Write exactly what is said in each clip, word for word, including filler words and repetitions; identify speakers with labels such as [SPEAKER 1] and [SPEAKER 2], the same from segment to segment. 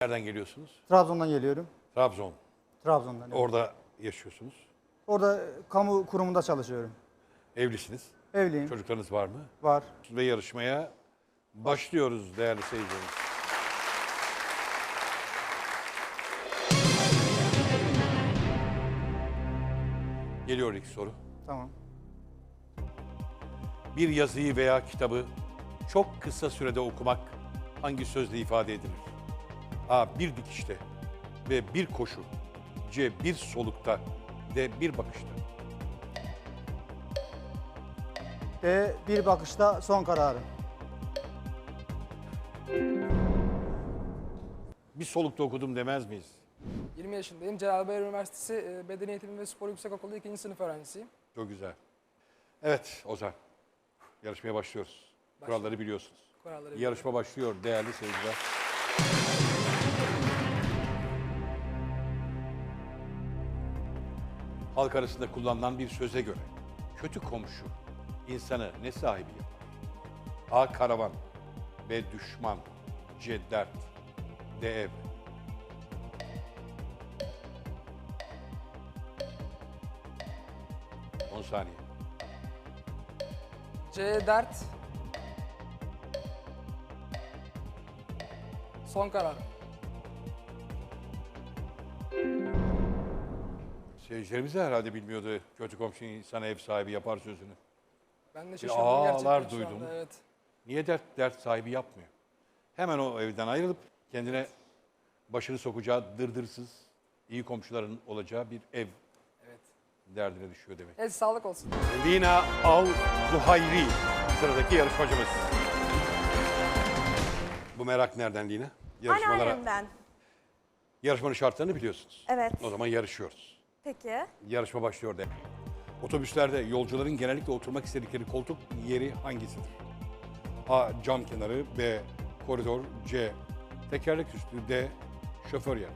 [SPEAKER 1] Nereden geliyorsunuz?
[SPEAKER 2] Trabzon'dan geliyorum.
[SPEAKER 1] Trabzon.
[SPEAKER 2] Trabzon'dan. Evet.
[SPEAKER 1] Orada yaşıyorsunuz.
[SPEAKER 2] Orada kamu kurumunda çalışıyorum.
[SPEAKER 1] Evlisiniz.
[SPEAKER 2] Evliyim.
[SPEAKER 1] Çocuklarınız var mı?
[SPEAKER 2] Var.
[SPEAKER 1] Ve yarışmaya başlıyoruz değerli seyircilerimiz. Geliyor ilk soru.
[SPEAKER 2] Tamam.
[SPEAKER 1] Bir yazıyı veya kitabı çok kısa sürede okumak hangi sözle ifade edilir? A. Bir dikişte. B. Bir koşu. C. Bir solukta. D. Bir bakışta.
[SPEAKER 2] E, bir bakışta son kararım.
[SPEAKER 1] Bir solukta okudum demez miyiz?
[SPEAKER 3] yirmi yaşındayım. Celal Bayar Üniversitesi e, Beden Eğitimi ve Spor Yüksekokulu ikinci sınıf öğrencisiyim.
[SPEAKER 1] Çok güzel. Evet Ozan. Yarışmaya başlıyoruz. Kuralları biliyorsunuz.
[SPEAKER 3] Kuralları
[SPEAKER 1] Yarışma başlıyor değerli seyirciler. Halk arasında kullanılan bir söze göre kötü komşu insanı ne sahibi yapar? A. Karavan. B. Düşman. C. Dert. D. Ev. on saniye.
[SPEAKER 3] C. Dert. Son karar.
[SPEAKER 1] Seyircilerimiz de herhalde bilmiyordu kötü komşu insana ev sahibi yapar sözünü.
[SPEAKER 3] Ben de şaşırdım
[SPEAKER 1] ağlar
[SPEAKER 3] gerçekten şu
[SPEAKER 1] duydum.
[SPEAKER 3] anda. Evet.
[SPEAKER 1] Niye dert dert sahibi yapmıyor? Hemen o evden ayrılıp kendine başını sokacağı dırdırsız, iyi komşuların olacağı bir ev
[SPEAKER 3] Evet.
[SPEAKER 1] derdine düşüyor demek.
[SPEAKER 3] Evet, sağlık olsun.
[SPEAKER 1] Lina Al Zuhayri sıradaki yarışmacımız. Bu merak nereden Lina? Yarışmalara,
[SPEAKER 4] Anneannemden.
[SPEAKER 1] yarışmanın şartlarını biliyorsunuz.
[SPEAKER 4] Evet.
[SPEAKER 1] O zaman yarışıyoruz.
[SPEAKER 4] Peki.
[SPEAKER 1] Yarışma başlıyor de. Otobüslerde yolcuların genellikle oturmak istedikleri koltuk yeri hangisidir? A. Cam kenarı. B. Koridor. C. Tekerlek üstü. D. Şoför yanı.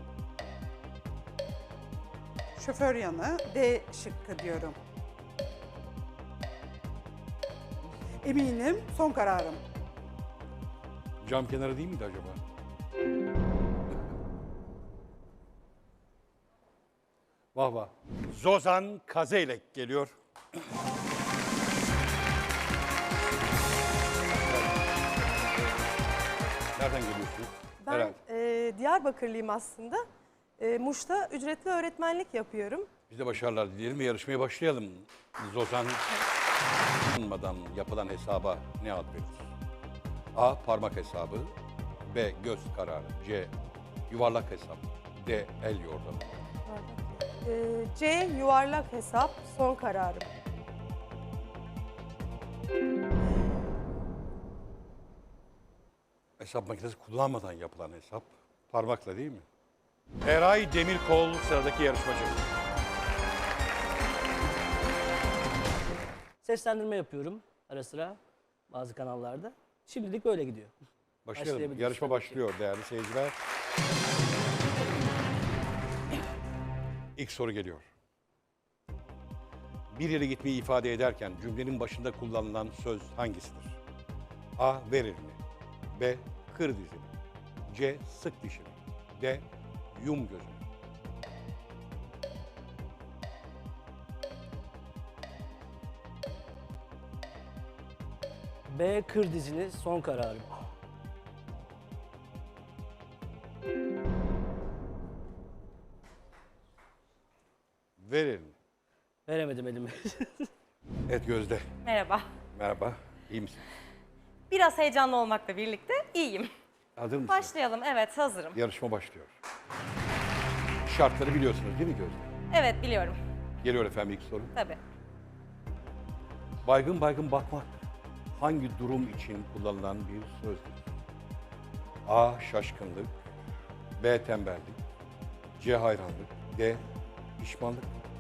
[SPEAKER 5] Şoför yanı D şıkkı diyorum. Eminim son kararım.
[SPEAKER 1] Cam kenarı değil miydi acaba? Vah vah. Zozan Kazeylek geliyor. Nereden geliyorsunuz?
[SPEAKER 4] Ben
[SPEAKER 1] Herhalde.
[SPEAKER 4] e, Diyarbakırlıyım aslında. E, Muş'ta ücretli öğretmenlik yapıyorum.
[SPEAKER 1] Biz de başarılar dileyelim ve yarışmaya başlayalım. Zozan tanınmadan yapılan hesaba ne ad verilir? A. Parmak hesabı. B. Göz kararı. C. Yuvarlak hesap. D. El yordamı.
[SPEAKER 4] E, C yuvarlak hesap son kararım.
[SPEAKER 1] Hesap makinesi kullanmadan yapılan hesap. Parmakla değil mi? Eray Demirkol sıradaki yarışmacı.
[SPEAKER 6] Seslendirme yapıyorum ara sıra bazı kanallarda. Şimdilik böyle gidiyor.
[SPEAKER 1] Başlayalım.
[SPEAKER 6] Başlayabiliriz
[SPEAKER 1] Yarışma
[SPEAKER 6] tabii ki.
[SPEAKER 1] başlıyor değerli seyirciler. İlk soru geliyor. Bir yere gitmeyi ifade ederken cümlenin başında kullanılan söz hangisidir? A. Ver elini. B. Kır dizini. C. Sık dişini. D. Yum gözünü.
[SPEAKER 6] B kır dizini son kararım.
[SPEAKER 1] Ver elini.
[SPEAKER 6] Veremedim elimi.
[SPEAKER 1] Evet Gözde.
[SPEAKER 7] Merhaba.
[SPEAKER 1] Merhaba. İyi misin?
[SPEAKER 7] Biraz heyecanlı olmakla birlikte iyiyim.
[SPEAKER 1] Hazır mısın?
[SPEAKER 7] Başlayalım. Evet, hazırım.
[SPEAKER 1] Yarışma başlıyor. Şartları biliyorsunuz değil mi Gözde?
[SPEAKER 7] Evet, biliyorum.
[SPEAKER 1] Geliyor efendim ilk soru.
[SPEAKER 7] Tabii.
[SPEAKER 1] Baygın baygın bakmak hangi durum için kullanılan bir sözdür? A. Şaşkınlık. B. Tembellik. C. Hayranlık. D. Pişmanlık.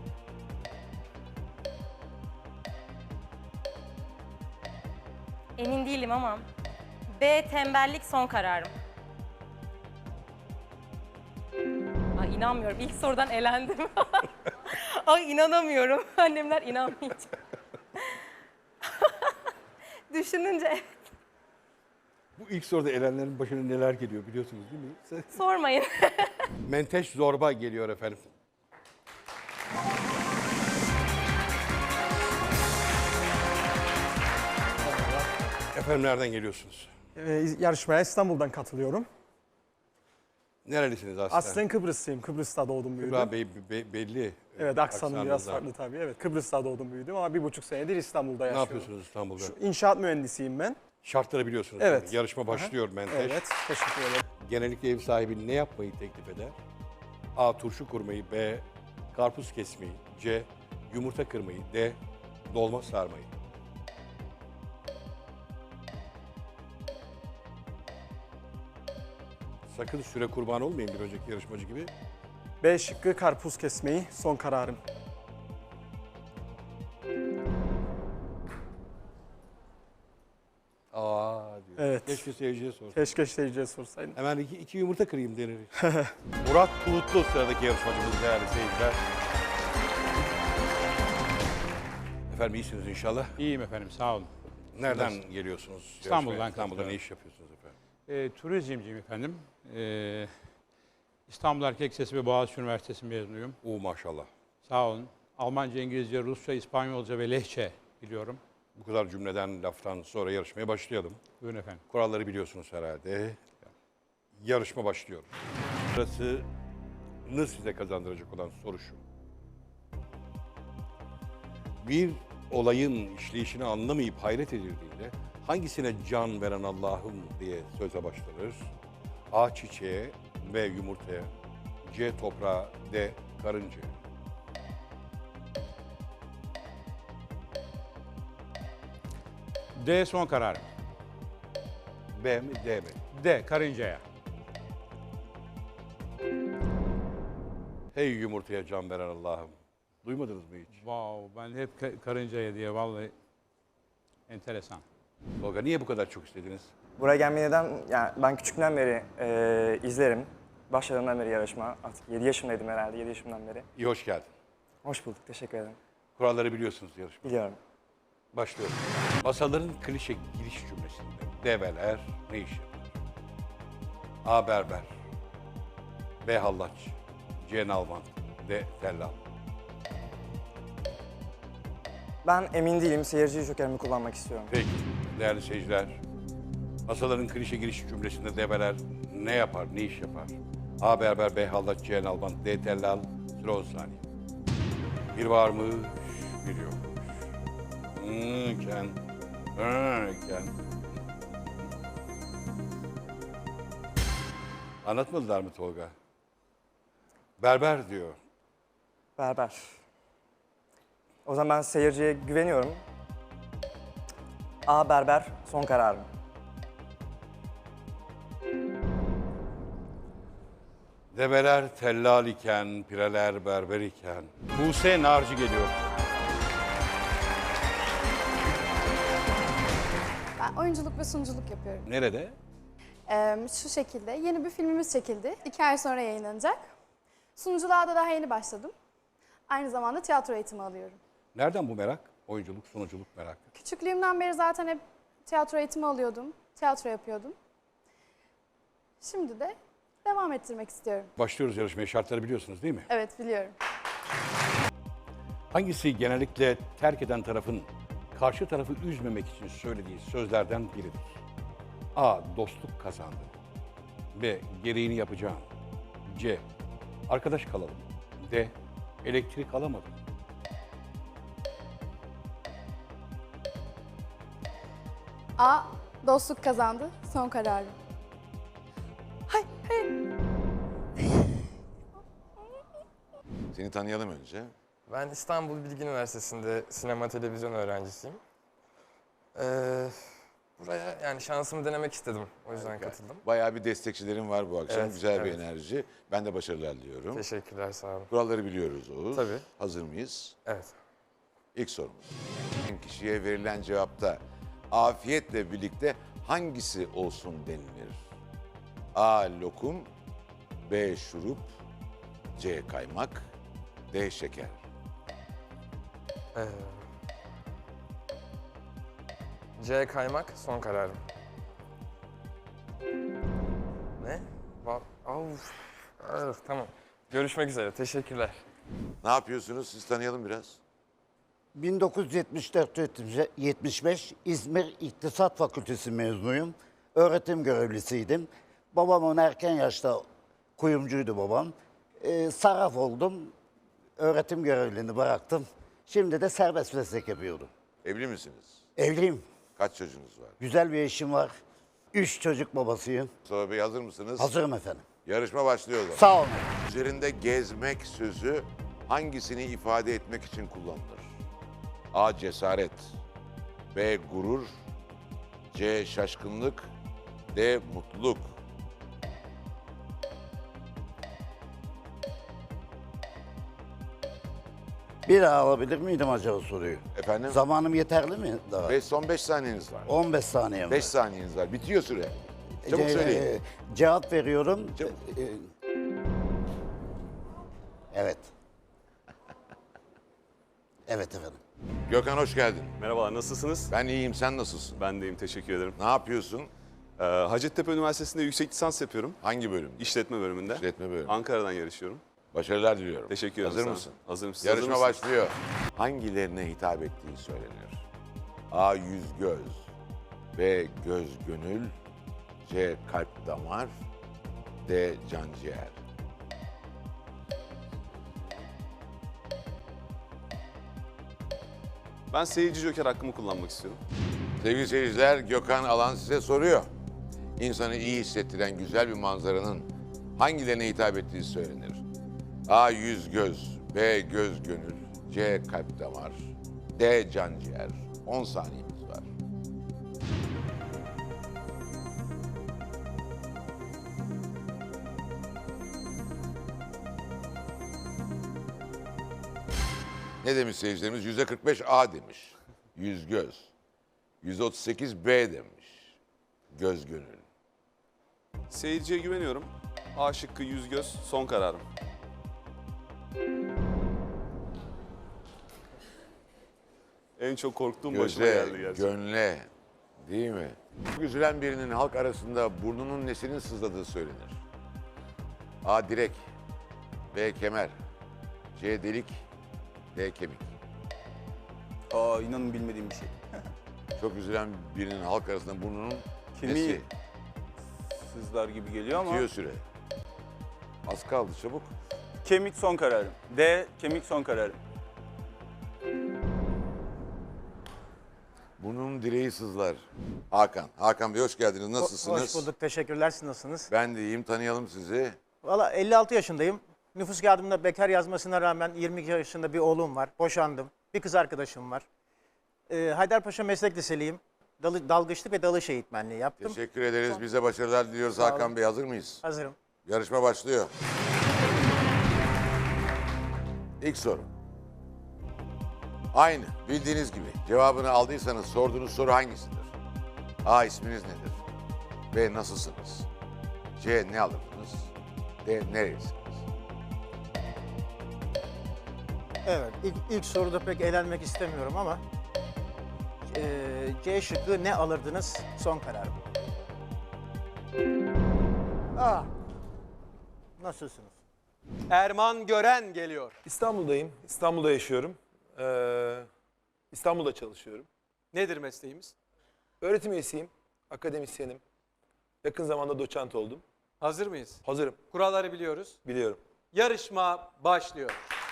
[SPEAKER 7] Emin değilim ama B tembellik son kararım. Ay inanmıyorum. İlk sorudan elendim. Ay inanamıyorum. Annemler inanmayacak. Düşününce
[SPEAKER 1] Bu ilk soruda elenlerin başına neler geliyor biliyorsunuz değil mi? Sen-
[SPEAKER 7] Sormayın.
[SPEAKER 1] Menteş zorba geliyor efendim. Efendim nereden geliyorsunuz?
[SPEAKER 8] Ee, yarışmaya İstanbul'dan katılıyorum.
[SPEAKER 1] Nerelisiniz aslen?
[SPEAKER 8] Aslen Kıbrıslıyım. Kıbrıs'ta doğdum büyüdüm.
[SPEAKER 1] Kübra Bey be- belli.
[SPEAKER 8] Evet, aksanım biraz
[SPEAKER 1] aksanınızdan.
[SPEAKER 8] farklı tabii. Evet, Kıbrıs'ta doğdum büyüdüm ama bir buçuk senedir İstanbul'da
[SPEAKER 1] Ne
[SPEAKER 8] yaşıyorum.
[SPEAKER 1] yapıyorsunuz İstanbul'da?
[SPEAKER 8] Şu inşaat mühendisiyim ben.
[SPEAKER 1] Şartları biliyorsunuz.
[SPEAKER 8] Evet.
[SPEAKER 1] değil mi? Yarışma başlıyor Menteş.
[SPEAKER 8] Evet, teşekkür ederim.
[SPEAKER 1] Genellikle ev sahibi ne yapmayı teklif eder? A. Turşu kurmayı. B. Karpuz kesmeyi. C. Yumurta kırmayı. D. Dolma sarmayı. Sakın süre kurban olmayın bir önceki yarışmacı gibi.
[SPEAKER 8] B şıkkı karpuz kesmeyi son kararım.
[SPEAKER 1] Aa diyor.
[SPEAKER 8] Evet.
[SPEAKER 1] Keşke seyirciye sorsun.
[SPEAKER 8] Keşke seyirciye sorsaydım.
[SPEAKER 1] Hemen iki, iki yumurta kırayım denir. Murat Bulutlu sıradaki yarışmacımız değerli seyirciler. Efendim iyisiniz inşallah.
[SPEAKER 9] İyiyim efendim, sağ olun.
[SPEAKER 1] Nereden geliyorsunuz?
[SPEAKER 9] İstanbul'dan
[SPEAKER 1] Yarışmaya? İstanbul'da
[SPEAKER 9] katılıyorum.
[SPEAKER 1] ne iş yapıyorsunuz efendim?
[SPEAKER 9] E, turizmciyim efendim. E, İstanbul Erkek Lisesi ve Boğaziçi Üniversitesi mezunuyum.
[SPEAKER 1] Oo maşallah.
[SPEAKER 9] Sağ olun. Almanca, İngilizce, Rusça, İspanyolca ve Lehçe biliyorum.
[SPEAKER 1] Bu kadar cümleden, laftan sonra yarışmaya başlayalım.
[SPEAKER 9] Buyurun efendim.
[SPEAKER 1] Kuralları biliyorsunuz herhalde. Yarışma başlıyor. Sırasını size kazandıracak olan soru şu. Bir olayın işleyişini anlamayıp hayret edildiğinde hangisine can veren Allah'ım diye söze başlanır? A. Çiçeğe, B. Yumurtaya, C. Toprağa, D. Karıncaya.
[SPEAKER 9] D son kararım.
[SPEAKER 1] B mi, D mi?
[SPEAKER 9] D karıncaya.
[SPEAKER 1] Hey yumurtaya can veren Allah'ım. Duymadınız mı hiç?
[SPEAKER 9] Wow, ben hep ka- karıncaya diye vallahi enteresan.
[SPEAKER 1] Tolga niye bu kadar çok istediniz?
[SPEAKER 10] Buraya gelmeyi neden, yani ben küçüklükten beri e, izlerim. Başladığımdan beri yarışma, artık yedi yaşındaydım herhalde, yedi yaşımdan beri.
[SPEAKER 1] İyi hoş geldin.
[SPEAKER 10] Hoş bulduk, teşekkür ederim.
[SPEAKER 1] Kuralları biliyorsunuz yarışma.
[SPEAKER 10] Biliyorum.
[SPEAKER 1] Başlıyorum. Masalların klişe giriş cümlesinde develer ne iş yapar? A. Berber, B. Hallaç, C. Nalban, D. Tellal.
[SPEAKER 10] Ben emin değilim, seyirci jokerimi kullanmak istiyorum.
[SPEAKER 1] Peki değerli seyirciler. Masaların klişe giriş cümlesinde develer ne yapar, ne iş yapar? A. Berber, B. Hallaç, C. Nalban, D. Tellal. Süre on saniye. Bir varmış, bir yokmuş. Hmm, ken, hmm, ken. Anlatmadılar mı Tolga? Berber diyor.
[SPEAKER 10] Berber. O zaman ben seyirciye güveniyorum. A. Berber, son kararım.
[SPEAKER 1] Develer tellal iken, pireler berber iken. Buse Narcı geliyor.
[SPEAKER 11] Ben oyunculuk ve sunuculuk yapıyorum.
[SPEAKER 1] Nerede?
[SPEAKER 11] Ee, şu şekilde yeni bir filmimiz çekildi. İki ay sonra yayınlanacak. Sunuculuğa da daha yeni başladım. Aynı zamanda tiyatro eğitimi alıyorum.
[SPEAKER 1] Nereden bu merak? Oyunculuk, sunuculuk merakı.
[SPEAKER 11] Küçüklüğümden beri zaten hep tiyatro eğitimi alıyordum. Tiyatro yapıyordum. Şimdi de devam ettirmek istiyorum.
[SPEAKER 1] Başlıyoruz yarışmaya. Şartları biliyorsunuz değil mi?
[SPEAKER 11] Evet, biliyorum.
[SPEAKER 1] Hangisi genellikle terk eden tarafın karşı tarafı üzmemek için söylediği sözlerden biridir? A. Dostluk kazandı. B. Gereğini yapacağım. C. Arkadaş kalalım. D. Elektrik alamadım.
[SPEAKER 11] A. Dostluk kazandı. Son kararım. Hay, hayır.
[SPEAKER 12] Seni tanıyalım önce.
[SPEAKER 13] Ben İstanbul Bilgi Üniversitesi'nde sinema televizyon öğrencisiyim. Ee, buraya yani şansımı denemek istedim. O yüzden
[SPEAKER 12] Harika.
[SPEAKER 13] katıldım.
[SPEAKER 12] Bayağı bir destekçilerin var bu akşam.
[SPEAKER 13] Evet,
[SPEAKER 12] Güzel bir
[SPEAKER 13] evet.
[SPEAKER 12] enerji. Ben de başarılar diliyorum.
[SPEAKER 13] Teşekkürler, sağ olun.
[SPEAKER 12] Kuralları biliyoruz Oğuz.
[SPEAKER 13] Tabii.
[SPEAKER 12] Hazır mıyız?
[SPEAKER 13] Evet.
[SPEAKER 12] İlk sorumuz. Kişiye verilen cevapta afiyetle birlikte hangisi olsun denilir? A. Lokum, B. Şurup, C. Kaymak, D. Şeker.
[SPEAKER 13] Ee, C kaymak son kararım. Uf. Ah, tamam. Görüşmek üzere. Teşekkürler.
[SPEAKER 12] Ne yapıyorsunuz? Siz tanıyalım biraz.
[SPEAKER 14] bin dokuz yüz yetmiş dört yetmiş beş İzmir İktisat Fakültesi mezunuyum. Öğretim görevlisiydim. Babamın erken yaşta kuyumcuydu babam. Ee, sarraf oldum. Öğretim görevliliğini bıraktım. Şimdi de serbest meslek yapıyorum.
[SPEAKER 12] Evli misiniz?
[SPEAKER 14] Evliyim.
[SPEAKER 12] Kaç çocuğunuz var?
[SPEAKER 14] Güzel bir eşim var. Üç çocuk babasıyım.
[SPEAKER 12] Mustafa Bey hazır mısınız?
[SPEAKER 14] Hazırım efendim.
[SPEAKER 12] Yarışma başlıyor o zaman.
[SPEAKER 14] Sağ olun.
[SPEAKER 12] Üzerinde gezmek sözü hangisini ifade etmek için kullanılır? A. Cesaret. B. Gurur. C. Şaşkınlık. D. Mutluluk.
[SPEAKER 14] Bir daha alabilir miydim acaba soruyu?
[SPEAKER 12] Efendim?
[SPEAKER 14] Zamanım yeterli mi daha?
[SPEAKER 12] Beş, son beş saniyeniz var.
[SPEAKER 14] on beş saniye mi?
[SPEAKER 12] Beş saniyeniz var. Bitiyor süre. Çabuk
[SPEAKER 14] Ce-
[SPEAKER 12] söyleyin.
[SPEAKER 14] e, Cevap veriyorum.
[SPEAKER 12] Çabuk.
[SPEAKER 14] E, Evet. Evet efendim.
[SPEAKER 12] Gökhan hoş geldin.
[SPEAKER 15] Merhabalar, nasılsınız?
[SPEAKER 12] Ben iyiyim, sen nasılsın?
[SPEAKER 15] Ben deyim, teşekkür ederim.
[SPEAKER 12] Ne yapıyorsun?
[SPEAKER 15] Ee, Hacettepe Üniversitesi'nde yüksek lisans yapıyorum.
[SPEAKER 12] Hangi bölüm?
[SPEAKER 15] İşletme bölümünde.
[SPEAKER 12] İşletme bölümü.
[SPEAKER 15] Ankara'dan yarışıyorum.
[SPEAKER 12] Başarılar diliyorum.
[SPEAKER 15] Teşekkür ederim.
[SPEAKER 12] Hazır
[SPEAKER 15] sağ olun.
[SPEAKER 12] mısın?
[SPEAKER 15] Hazırım. Siz
[SPEAKER 12] Yarışma
[SPEAKER 15] hazır mısınız?
[SPEAKER 12] başlıyor. Hangilerine hitap ettiği söylenir? A. Yüz göz. B. Göz gönül. C. Kalp damar. D. Can ciğer.
[SPEAKER 15] Ben seyirci joker hakkımı kullanmak istiyorum.
[SPEAKER 12] Sevgili seyirciler, Gökhan Alan size soruyor. İnsanı iyi hissettiren güzel bir manzaranın hangilerine hitap ettiği söylenir? A. Yüz göz. B. Göz gönül. C. Kalp damar. D. Can ciğer. on saniyemiz var. Ne demiş seyircilerimiz? yüzde kırk beş A demiş. Yüz göz. yüzde otuz sekiz B demiş. Göz gönül.
[SPEAKER 15] Seyirciye güveniyorum. A şıkkı yüz göz, son kararım. En çok korktuğum başıma
[SPEAKER 12] Göze,
[SPEAKER 15] geldi gerçekten.
[SPEAKER 12] gönle, değil mi? Çok üzülen birinin halk arasında burnunun nesinin sızladığı söylenir. A. Direk. B. Kemer. C. Delik. D. Kemik.
[SPEAKER 2] Aa inanın bilmediğim bir şey.
[SPEAKER 12] Çok üzülen birinin halk arasında burnunun
[SPEAKER 2] Kemiği
[SPEAKER 12] nesi?
[SPEAKER 2] sızlar gibi geliyor ama.
[SPEAKER 12] Bitiyor süre. Az kaldı, çabuk.
[SPEAKER 2] Kemik son kararım. D. Kemik son kararım.
[SPEAKER 12] Burnunun direği sızlar. Hakan. Hakan Bey hoş geldiniz. Nasılsınız?
[SPEAKER 16] Hoş bulduk. Teşekkürler. Siz nasılsınız?
[SPEAKER 12] Ben de iyiyim. Tanıyalım sizi.
[SPEAKER 16] Valla elli altı yaşındayım. Nüfus kağıdımda bekar yazmasına rağmen yirmi iki yaşında bir oğlum var. Boşandım. Bir kız arkadaşım var. Ee, Haydarpaşa Meslek Liseliyim. Dalı, dalgıçlık ve dalış eğitmenliği yaptım.
[SPEAKER 12] Teşekkür ederiz. Bize başarılar diliyoruz.
[SPEAKER 16] Sağ olun.
[SPEAKER 12] Hakan Bey hazır mıyız?
[SPEAKER 16] Hazırım.
[SPEAKER 12] Yarışma başlıyor. İlk soru. Aynı bildiğiniz gibi cevabını aldıysanız sorduğunuz soru hangisidir? A. isminiz nedir? B. Nasılsınız? C. Ne alırdınız? D. Nerelisiniz?
[SPEAKER 16] Evet. İlk, ilk soruda pek eğlenmek istemiyorum ama ee, C şıkkı ne alırdınız? Son kararım. Aa. Nasılsınız?
[SPEAKER 17] Erman Gören geliyor.
[SPEAKER 18] İstanbul'dayım. İstanbul'da yaşıyorum. Ee, İstanbul'da çalışıyorum.
[SPEAKER 17] Nedir mesleğimiz?
[SPEAKER 18] Öğretim üyesiyim. Akademisyenim. Yakın zamanda doçent oldum.
[SPEAKER 17] Hazır mıyız?
[SPEAKER 18] Hazırım.
[SPEAKER 17] Kuralları biliyoruz.
[SPEAKER 18] Biliyorum.
[SPEAKER 17] Yarışma başlıyor.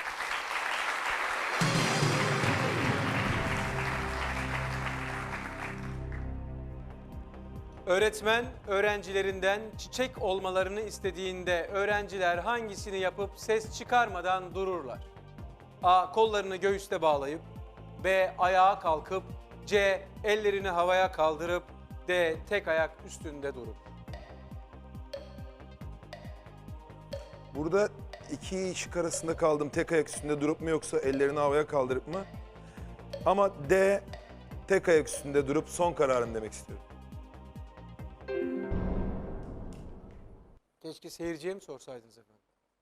[SPEAKER 17] Öğretmen öğrencilerinden çiçek olmalarını istediğinde öğrenciler hangisini yapıp ses çıkarmadan dururlar? A. Kollarını göğüste bağlayıp, B. Ayağa kalkıp, C. Ellerini havaya kaldırıp, D. Tek ayak üstünde durup.
[SPEAKER 18] Burada iki şık arasında kaldım. Tek ayak üstünde durup mu yoksa ellerini havaya kaldırıp mı? Ama D. Tek ayak üstünde durup son kararım demek istiyorum.
[SPEAKER 17] Keşke seyirciye mi sorsaydınız efendim?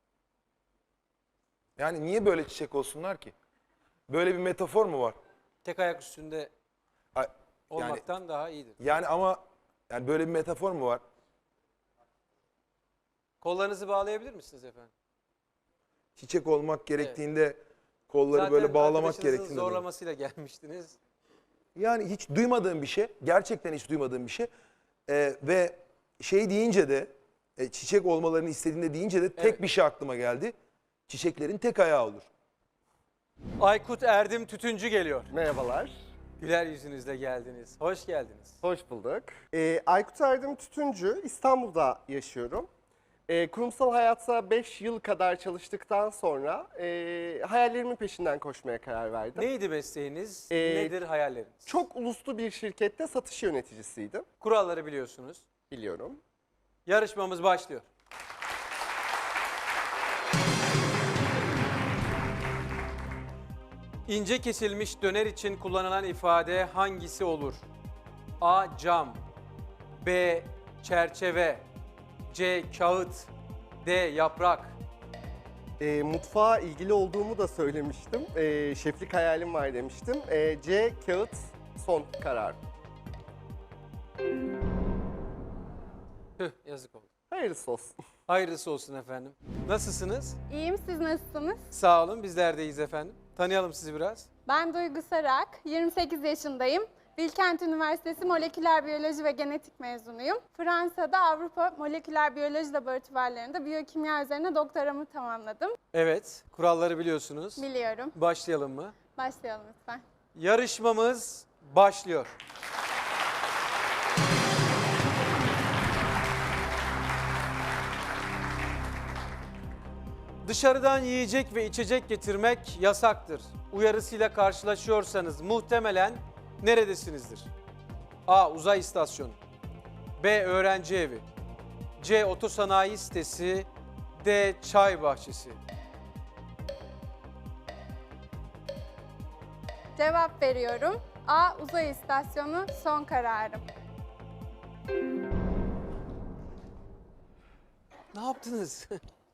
[SPEAKER 18] Yani niye böyle çiçek olsunlar ki? Böyle bir metafor mu var?
[SPEAKER 17] Tek ayak üstünde
[SPEAKER 18] Ay,
[SPEAKER 17] olmaktan
[SPEAKER 18] yani,
[SPEAKER 17] daha iyidir.
[SPEAKER 18] Yani ama yani böyle bir metafor mu var?
[SPEAKER 17] Kollarınızı bağlayabilir misiniz efendim?
[SPEAKER 18] Çiçek olmak gerektiğinde kolları
[SPEAKER 17] Zaten
[SPEAKER 18] böyle bağlamak
[SPEAKER 17] arkadaşınızın
[SPEAKER 18] gerektiğinde. dolayı.
[SPEAKER 17] zorlamasıyla gelmiştiniz.
[SPEAKER 18] Yani hiç duymadığım bir şey. Gerçekten hiç duymadığım bir şey. Ee, ve şey deyince de e, çiçek olmalarını istediğinde deyince de tek
[SPEAKER 17] Evet.
[SPEAKER 18] bir şey aklıma geldi. Çiçeklerin tek ayağı olur.
[SPEAKER 17] Aykut Erdem Tütüncü geliyor.
[SPEAKER 19] Merhabalar.
[SPEAKER 17] Güler yüzünüzle geldiniz. Hoş geldiniz.
[SPEAKER 19] Hoş bulduk. Ee, Aykut Erdem Tütüncü, İstanbul'da yaşıyorum. Ee, kurumsal hayatta beş yıl kadar çalıştıktan sonra e, hayallerimin peşinden koşmaya karar verdim.
[SPEAKER 17] Neydi mesleğiniz?
[SPEAKER 19] Ee,
[SPEAKER 17] Nedir hayalleriniz?
[SPEAKER 19] Çok uluslu bir şirkette satış yöneticisiydim.
[SPEAKER 17] Kuralları biliyorsunuz.
[SPEAKER 19] Biliyorum.
[SPEAKER 17] Yarışmamız başlıyor. İnce kesilmiş döner için kullanılan ifade hangisi olur? A. Cam B. Çerçeve C. Kağıt D. Yaprak.
[SPEAKER 19] Ee, mutfağa ilgili olduğumu da söylemiştim. Ee, şeflik hayalim var demiştim. Ee, C. Kağıt son karar.
[SPEAKER 17] Tüh, yazık oldu.
[SPEAKER 19] Hayırlısı olsun.
[SPEAKER 17] Hayırlısı olsun efendim. Nasılsınız?
[SPEAKER 20] İyiyim, siz nasılsınız?
[SPEAKER 17] Sağ olun, bizler de iyiyiz efendim. Tanıyalım sizi biraz.
[SPEAKER 20] Ben Duygu Sarak, yirmi sekiz yaşındayım. Bilkent Üniversitesi Moleküler Biyoloji ve Genetik mezunuyum. Fransa'da Avrupa Moleküler Biyoloji Laboratuvarlarında biyokimya üzerine doktoramı tamamladım.
[SPEAKER 17] Evet, kuralları biliyorsunuz.
[SPEAKER 20] Biliyorum.
[SPEAKER 17] Başlayalım mı?
[SPEAKER 20] Başlayalım lütfen.
[SPEAKER 17] Yarışmamız başlıyor. Dışarıdan yiyecek ve içecek getirmek yasaktır. Uyarısıyla karşılaşıyorsanız muhtemelen neredesinizdir? A. Uzay istasyonu B. Öğrenci evi C. Otosanayi sitesi D. Çay bahçesi.
[SPEAKER 20] Cevap veriyorum. A. Uzay istasyonu son kararım.
[SPEAKER 17] Ne yaptınız?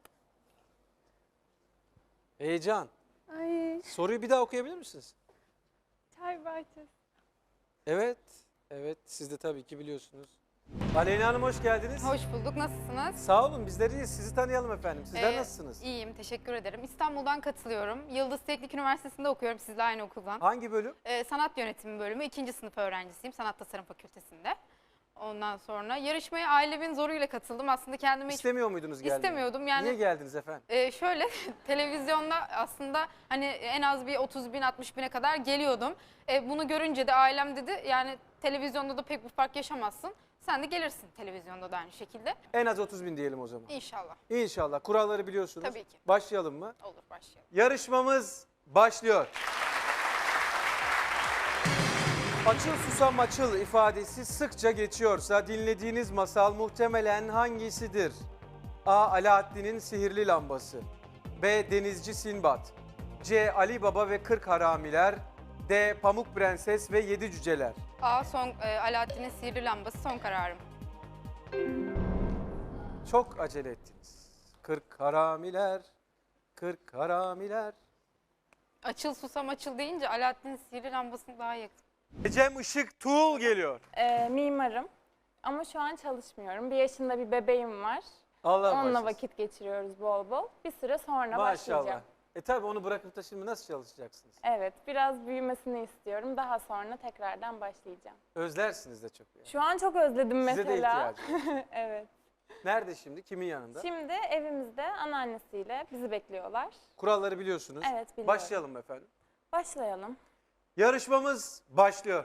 [SPEAKER 17] Heyecan.
[SPEAKER 20] Ay,
[SPEAKER 17] Soruyu bir daha okuyabilir misiniz?
[SPEAKER 20] çay bahçesi.
[SPEAKER 17] Evet, evet. Siz de tabii ki biliyorsunuz. Aleyna Hanım hoş geldiniz.
[SPEAKER 21] Hoş bulduk. Nasılsınız?
[SPEAKER 17] Sağ olun, bizler iyiyiz. Sizi tanıyalım efendim. Sizler
[SPEAKER 21] Ee,
[SPEAKER 17] nasılsınız?
[SPEAKER 21] İyiyim, teşekkür ederim. İstanbul'dan katılıyorum. Yıldız Teknik Üniversitesi'nde okuyorum, sizle aynı okuldan.
[SPEAKER 17] Hangi bölüm?
[SPEAKER 21] Ee, sanat yönetimi bölümü, ikinci sınıf öğrencisiyim, Sanat Tasarım Fakültesi'nde. Ondan sonra yarışmaya ailemin zoruyla katıldım. Aslında kendime hiç
[SPEAKER 17] İstemiyor muydunuz gelmeyi?
[SPEAKER 21] istemiyordum. Yani,
[SPEAKER 17] Niye geldiniz efendim?
[SPEAKER 21] e, şöyle, televizyonda aslında hani en az bir otuz bin altmış bine kadar geliyordum. E, bunu görünce de ailem dedi, yani televizyonda da pek bir fark yaşamazsın. Sen de gelirsin televizyonda da aynı şekilde.
[SPEAKER 17] En az otuz bin diyelim o zaman.
[SPEAKER 21] İnşallah.
[SPEAKER 17] İnşallah. Kuralları biliyorsunuz.
[SPEAKER 21] Tabii ki.
[SPEAKER 17] Başlayalım mı?
[SPEAKER 21] Olur, başlayalım.
[SPEAKER 17] Yarışmamız başlıyor. Açıl susam açıl ifadesi sıkça geçiyorsa dinlediğiniz masal muhtemelen hangisidir? A. Alaaddin'in sihirli lambası B. Denizci Sinbad C. Ali Baba ve Kırk Haramiler D. Pamuk Prenses ve Yedi Cüceler.
[SPEAKER 21] A. Son, e, Alaaddin'in sihirli lambası son kararım.
[SPEAKER 17] Çok acele ettiniz. Kırk haramiler, kırk haramiler.
[SPEAKER 21] Açıl susam açıl deyince Alaaddin'in sihirli lambasını daha yakın.
[SPEAKER 17] Ecem Işık Tuğul geliyor.
[SPEAKER 22] Ee, mimarım ama şu an çalışmıyorum. Bir yaşında bir bebeğim var.
[SPEAKER 17] Allah
[SPEAKER 22] Onunla
[SPEAKER 17] bağışlasın.
[SPEAKER 22] vakit geçiriyoruz bol bol. Bir süre sonra
[SPEAKER 17] Maşallah.
[SPEAKER 22] başlayacağım.
[SPEAKER 17] E tabi onu bırakıp da şimdi nasıl çalışacaksınız?
[SPEAKER 22] Evet, biraz büyümesini istiyorum. Daha sonra tekrardan başlayacağım.
[SPEAKER 17] Özlersiniz de çok. Yani.
[SPEAKER 22] Şu an çok özledim
[SPEAKER 17] Size de
[SPEAKER 22] mesela.
[SPEAKER 17] ihtiyacı var.
[SPEAKER 22] Evet.
[SPEAKER 17] Nerede şimdi? Kimin yanında?
[SPEAKER 22] Şimdi evimizde anneannesiyle bizi bekliyorlar.
[SPEAKER 17] Kuralları biliyorsunuz.
[SPEAKER 22] Evet, biliyorum.
[SPEAKER 17] Başlayalım efendim.
[SPEAKER 22] Başlayalım.
[SPEAKER 17] Yarışmamız başlıyor.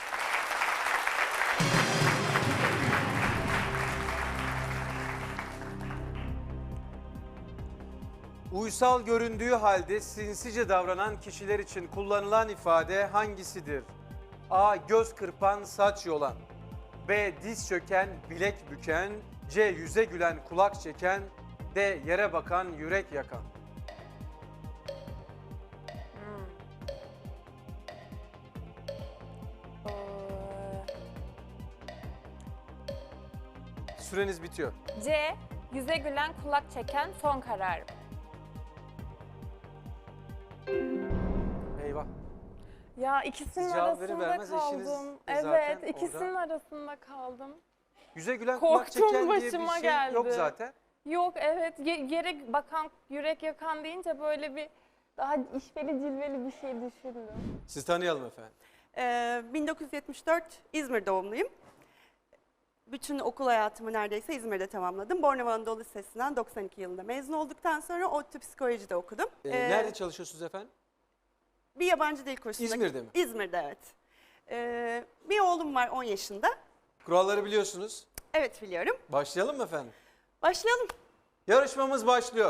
[SPEAKER 17] Uysal göründüğü halde sinsice davranan kişiler için kullanılan ifade hangisidir? A. Göz kırpan, saç yolan B. Diz çöken, bilek büken C. Yüze gülen, kulak çeken D. Yere bakan, yürek yakan. Süreniz bitiyor.
[SPEAKER 22] C. Yüze gülen kulak çeken son kararım.
[SPEAKER 17] Eyvah.
[SPEAKER 22] Ya ikisinin
[SPEAKER 17] Siz cevap
[SPEAKER 22] arasında
[SPEAKER 17] verir vermez eşiniz
[SPEAKER 22] kaldım.
[SPEAKER 17] de
[SPEAKER 22] Evet,
[SPEAKER 17] zaten
[SPEAKER 22] ikisinin
[SPEAKER 17] orada.
[SPEAKER 22] arasında kaldım.
[SPEAKER 17] Yüze gülen kulak
[SPEAKER 22] Korktum,
[SPEAKER 17] çeken diye bir
[SPEAKER 22] başıma
[SPEAKER 17] şey
[SPEAKER 22] geldi.
[SPEAKER 17] yok zaten.
[SPEAKER 22] Yok evet Ye- yere bakan, yürek yakan deyince böyle bir daha işveli cilveli bir şey düşündüm.
[SPEAKER 17] Sizi tanıyalım efendim.
[SPEAKER 3] Ee, bin dokuz yüz yetmiş dört İzmir doğumluyum. Bütün okul hayatımı neredeyse İzmir'de tamamladım. Bornova Anadolu Lisesi'nden doksan iki yılında mezun olduktan sonra ODTÜ Psikoloji'de okudum.
[SPEAKER 17] Ee,
[SPEAKER 3] Ee,
[SPEAKER 17] nerede çalışıyorsunuz efendim?
[SPEAKER 3] Bir yabancı dil kursunda.
[SPEAKER 17] İzmir'de mi?
[SPEAKER 3] İzmir'de, evet. Ee, bir oğlum var on yaşında.
[SPEAKER 17] Kuralları biliyorsunuz.
[SPEAKER 3] Evet, biliyorum.
[SPEAKER 17] Başlayalım mı efendim?
[SPEAKER 3] Başlayalım.
[SPEAKER 17] Yarışmamız başlıyor.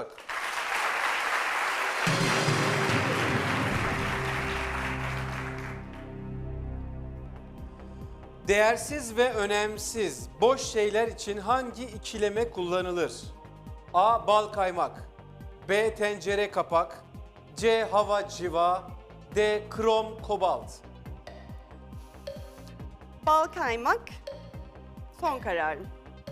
[SPEAKER 17] Değersiz ve önemsiz boş şeyler için hangi ikileme kullanılır? A. Bal kaymak. B. Tencere kapak. C. Hava civa. D. Krom kobalt.
[SPEAKER 3] Bal kaymak. Son kararım.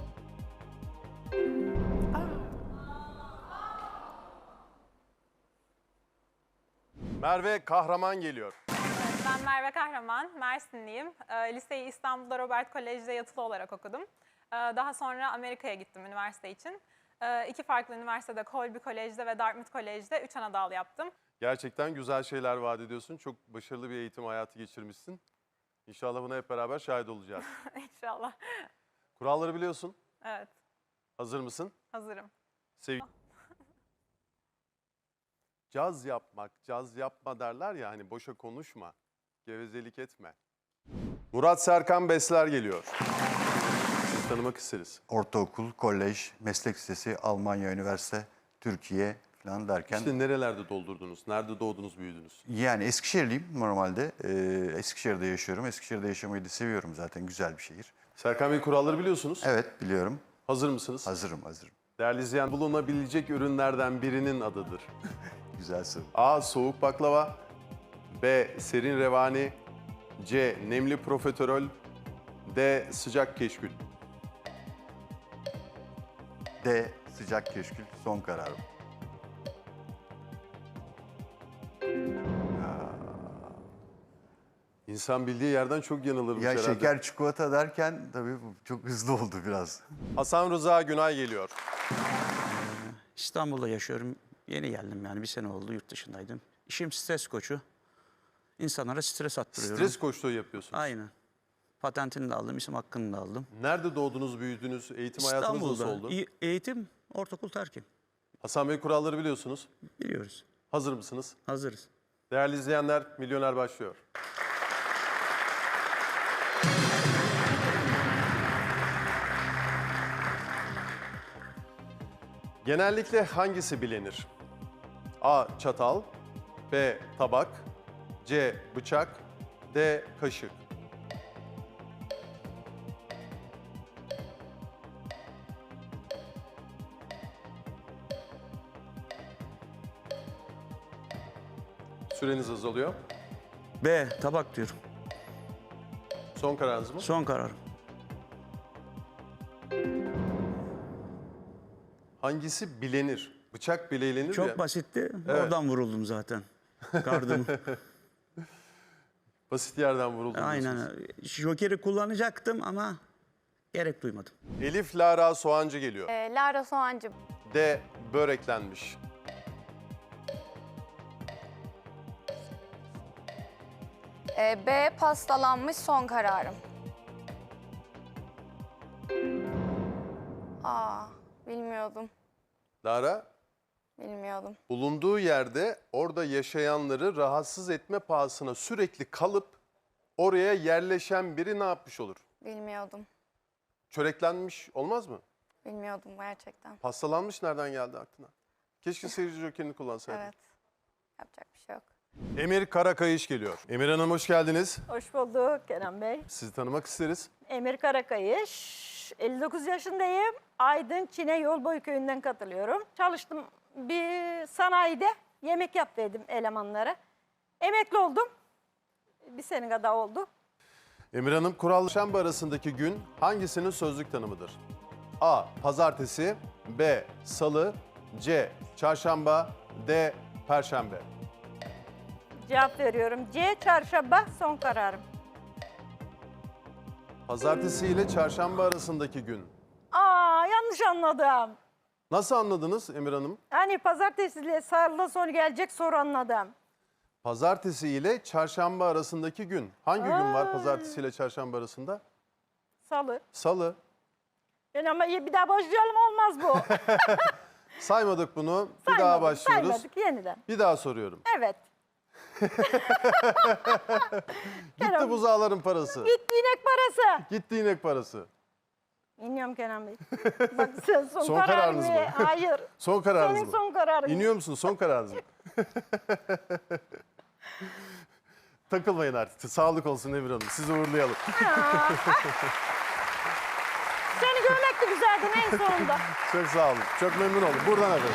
[SPEAKER 5] Merve Kahraman geliyor.
[SPEAKER 22] Ben Merve Kahraman, Mersinliyim. Ee, Liseyi İstanbul'da Robert Kolej'de yatılı olarak okudum. Ee, Daha sonra Amerika'ya gittim üniversite için. Ee, İki farklı üniversitede, Colby Kolej'de ve Dartmouth Kolej'de üç ana dal yaptım.
[SPEAKER 5] Gerçekten güzel şeyler vaat ediyorsun. Çok başarılı bir eğitim hayatı geçirmişsin. İnşallah buna hep beraber şahit olacağız.
[SPEAKER 22] İnşallah.
[SPEAKER 5] Kuralları biliyorsun.
[SPEAKER 22] Evet,
[SPEAKER 5] Hazır mısın?
[SPEAKER 22] hazırım.
[SPEAKER 5] Sev Caz yapmak, caz yapma derler ya hani boşa konuşma, gevezelik etme. Murat Serkan Besler geliyor. Sizi tanımak isteriz.
[SPEAKER 23] Ortaokul, kolej, meslek lisesi, Almanya, üniversite, Türkiye falan derken...
[SPEAKER 5] İşte nerelerde doldurdunuz? Nerede doğdunuz, büyüdünüz?
[SPEAKER 23] Yani Eskişehirliyim normalde. Ee, Eskişehir'de yaşıyorum. Eskişehir'de yaşamayı da seviyorum zaten. Güzel bir şehir.
[SPEAKER 5] Serkan Bey, kuralları biliyorsunuz.
[SPEAKER 23] Evet, biliyorum.
[SPEAKER 5] Hazır mısınız?
[SPEAKER 23] Hazırım, hazırım.
[SPEAKER 5] Değerli izleyen, bulunabilecek ürünlerden birinin adıdır.
[SPEAKER 23] Güzel soru.
[SPEAKER 5] A. Soğuk baklava. B. Serin revani. C. Nemli profiterol. D. Sıcak keşkül.
[SPEAKER 23] D. Sıcak keşkül son kararım.
[SPEAKER 5] İnsan bildiği yerden çok yanılırmış
[SPEAKER 23] Ya
[SPEAKER 5] herhalde.
[SPEAKER 23] şeker çikolata derken tabii bu çok hızlı oldu biraz.
[SPEAKER 5] Hasan Rıza Günay geliyor.
[SPEAKER 24] İstanbul'da yaşıyorum. Yeni geldim yani bir sene oldu, yurt dışındaydım. İşim stres koçu. İnsanlara stres attırıyorum.
[SPEAKER 5] Stres koçluğu yapıyorsunuz.
[SPEAKER 24] Aynen. Patentini de aldım, isim hakkını da aldım.
[SPEAKER 5] Nerede doğdunuz, büyüdünüz, eğitim hayatınız nasıl
[SPEAKER 24] İstanbul'da.
[SPEAKER 5] oldu?
[SPEAKER 24] İ- Eğitim, ortaokul terkim.
[SPEAKER 5] Hasan Bey, kuralları biliyorsunuz.
[SPEAKER 24] Biliyoruz.
[SPEAKER 5] Hazır mısınız?
[SPEAKER 24] Hazırız.
[SPEAKER 5] Değerli izleyenler, Milyoner başlıyor. Genellikle hangisi bilinir? A. Çatal. B. Tabak. C. Bıçak. D. Kaşık. Süreniz azalıyor.
[SPEAKER 24] B. Tabak diyorum.
[SPEAKER 5] Son kararınız mı?
[SPEAKER 24] Son kararım.
[SPEAKER 5] Hangisi bilenir? Bıçak bileğlenir
[SPEAKER 24] Çok
[SPEAKER 5] ya.
[SPEAKER 24] basitti.
[SPEAKER 5] Evet.
[SPEAKER 24] Oradan vuruldum zaten. Kardım.
[SPEAKER 5] Basit yerden vuruldum.
[SPEAKER 24] Aynen. Joker'i kullanacaktım ama gerek duymadım.
[SPEAKER 5] Elif Lara Soğancı geliyor.
[SPEAKER 11] Ee, Lara Soğancı.
[SPEAKER 5] D. Böreklenmiş.
[SPEAKER 11] Ee, B. Pastalanmış son kararım. Aa, bilmiyordum.
[SPEAKER 5] Lara,
[SPEAKER 11] Bilmiyordum.
[SPEAKER 5] bulunduğu yerde orada yaşayanları rahatsız etme pahasına sürekli kalıp oraya yerleşen biri ne yapmış olur?
[SPEAKER 11] Bilmiyordum.
[SPEAKER 5] Çöreklenmiş olmaz mı?
[SPEAKER 11] Bilmiyordum gerçekten.
[SPEAKER 5] Pastalanmış nereden geldi aklına? Keşke seyirci jokerini kullansaydın.
[SPEAKER 11] Evet. Yapacak bir şey yok.
[SPEAKER 5] Emir Karakayış geliyor. Emir Hanım, hoş geldiniz.
[SPEAKER 25] Hoş bulduk Kenan Bey.
[SPEAKER 5] Sizi tanımak isteriz.
[SPEAKER 25] Emir Karakayış. elli dokuz yaşındayım. Aydın Çine Yolboy Köyü'nden katılıyorum. Çalıştım bir sanayide. Yemek yapıyordum elemanlara. Emekli oldum. Bir sene kadar oldu.
[SPEAKER 5] Emir Hanım, kural Şamba arasındaki gün hangisinin sözlük tanımıdır? A. Pazartesi. B. Salı. C. Çarşamba. D. Perşembe.
[SPEAKER 25] Cevap veriyorum. C. Çarşamba son kararım.
[SPEAKER 5] Pazartesi ile çarşamba arasındaki gün.
[SPEAKER 25] Aa, yanlış anladım.
[SPEAKER 5] Nasıl anladınız Emir Hanım?
[SPEAKER 25] Hani pazartesiyle salı sonu gelecek soru anladım.
[SPEAKER 5] Pazartesi ile çarşamba arasındaki gün. Hangi gün var pazartesi ile çarşamba arasında?
[SPEAKER 25] Salı.
[SPEAKER 5] Salı.
[SPEAKER 25] Ben ama bir daha başlayalım olmaz bu.
[SPEAKER 5] Saymadık bunu. Bir
[SPEAKER 25] Saymadık,
[SPEAKER 5] daha başlıyoruz.
[SPEAKER 25] Saymadık yeniden.
[SPEAKER 5] Bir daha soruyorum.
[SPEAKER 25] Evet.
[SPEAKER 5] Gitti buzağların parası.
[SPEAKER 25] Gitti inek parası.
[SPEAKER 5] Gitti inek parası.
[SPEAKER 25] İniyorum Kenan Bey. Bak sen son,
[SPEAKER 5] Son
[SPEAKER 25] kararın
[SPEAKER 5] kararınız
[SPEAKER 25] mı?
[SPEAKER 5] mı?
[SPEAKER 25] Hayır.
[SPEAKER 5] Son kararınız
[SPEAKER 25] Senin
[SPEAKER 5] mı?
[SPEAKER 25] son kararın.
[SPEAKER 5] İniyor musun? Son kararınız mı? Takılmayın artık. Sağlık olsun Emir Hanım. Sizi uğurlayalım.
[SPEAKER 25] Seni görmek de güzeldi en sonunda.
[SPEAKER 5] Çok sağ olun. Çok memnun oldum. Buradan efendim.